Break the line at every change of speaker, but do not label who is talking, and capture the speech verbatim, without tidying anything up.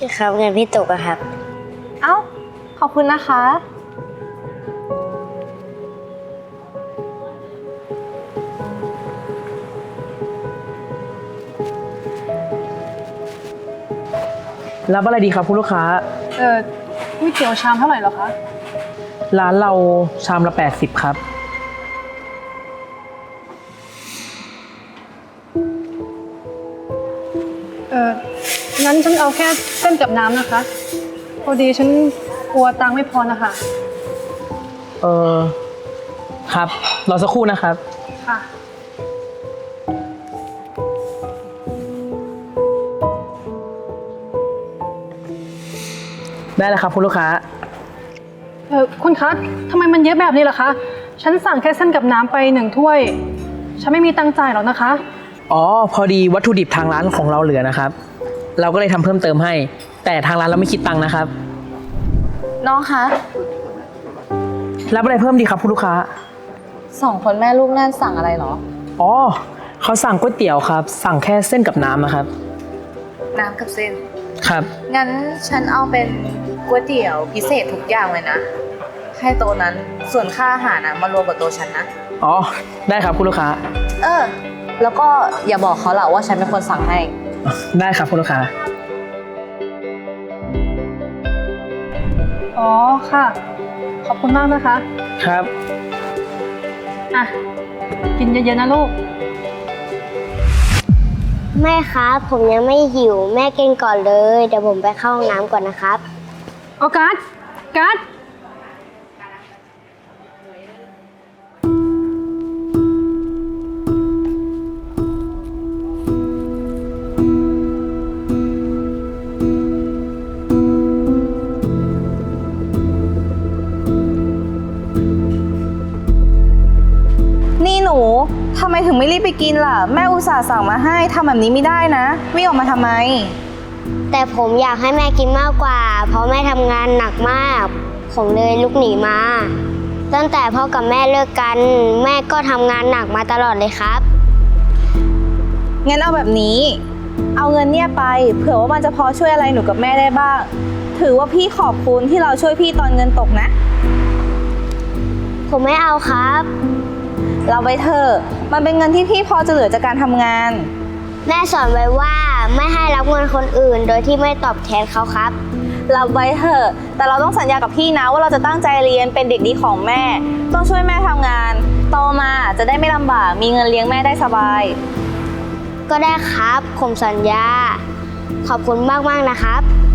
ครับเงินพี่ตกอะครับ
เอ้าขอบคุณนะคะ
รับอะไรดีครับคุณลูกค้า
เออก๋วยเตี๋ยวชามเท่าไหร่เหรอคะ
ร้านเราชามละแปดสิบครับ
เอองั้นฉันเอาแค่เส้นกับน้ำนะคะ พอดีฉันกลัวตังค์ไม่พอนะคะ
เออครับรอสักครู่นะครับ
ค่ะ
ได้แล้วครับคุณลูกค้า
เออคุณคะทำไมมันเยอะแบบนี้ล่ะคะ ฉันสั่งแค่เส้นกับน้ำไปหนึ่งถ้วย ฉันไม่มีตังค์จ่ายหรอกนะคะ
อ๋อพอดีวัตถุดิบทางร้านของเราเหลือนะครับ เราก็เลยทำเพิ่มเติมให้ แต่ทางร้านเราไม่คิดตังค์นะครับ
น้องคะ
รับอะไรเพิ่มดีครับคุณลูกค้า
สองคนแม่ลูกนั่นสั่งอะไรเหรอ
อ๋อเขาสั่งก๋วยเตี๋ยวครับ สั่งแค่เส้นกับน้ำนะครับ
น้ำกับเส้น
ครับ
งั้นฉันเอาเป็นก๋วยเตี๋ยวพิเศษทุกอย่างเลยนะ ให้โต๊ะนั้นส่วนค่าอาหารนะมารวมกับโต๊ะฉันนะ
อ๋อได้ครับคุณลูกค้า
เออ แล้วก็อย่าบอกเขาล่ะว่าฉันเป็นคนสั่งให้
ได้ครับคุณลูกค้า
อ๋อค่ะ ขอบคุณมากนะคะ
ครับ
อ่ะ กินเยอะๆนะลูก
แม่ครับผมยังไม่หิวแม่กินก่อนเลยเดี๋ยวผมไปเข้าห้องน้ำก่อนนะครับ
เอาการ์ดการ์ด
นี่หนูทำไมถึงไม่รีบไปกินล่ะ แม่อุตส่าห์สั่งมาให้ทำแบบนี้ไม่ได้นะวิ่งออกมาทำไม
แต่ผมอยากให้แม่กินมากกว่า เพราะแม่ทำงานหนักมาก ผมเลยลุกหนีมา ตั้งแต่พ่อกับแม่เลิกกัน แม่ก็ทำงานหนักมาตลอดเลยครับ
งั้นเอาแบบนี้ เอาเงินเนี่ยไป เผื่อว่ามันจะพอช่วยอะไรหนูกับแม่ได้บ้าง ถือว่าพี่ขอบคุณที่เราช่วยพี่ตอนเงินตกนะ
ผมไม่เอาครับ
เราไปเถอะมันเป็นเงินที่พี่พอจะเหลือจากการทำงาน
แม่สอนไว้ว่าไม่ให้รับเงินคนอื่น โดยที่ไม่ตอบแทนเขาครับ
เราไว้เถอะ แต่เราต้องสัญญากับพี่นะว่าเราจะตั้งใจเรียนเป็นเด็กดีของแม่ ต้องช่วยแม่ทำงาน โตมาจะได้ไม่ลำบาก มีเงินเลี้ยงแม่ได้สบาย
ก็ได้ครับ ผมสัญญา ขอบคุณมากๆนะครับ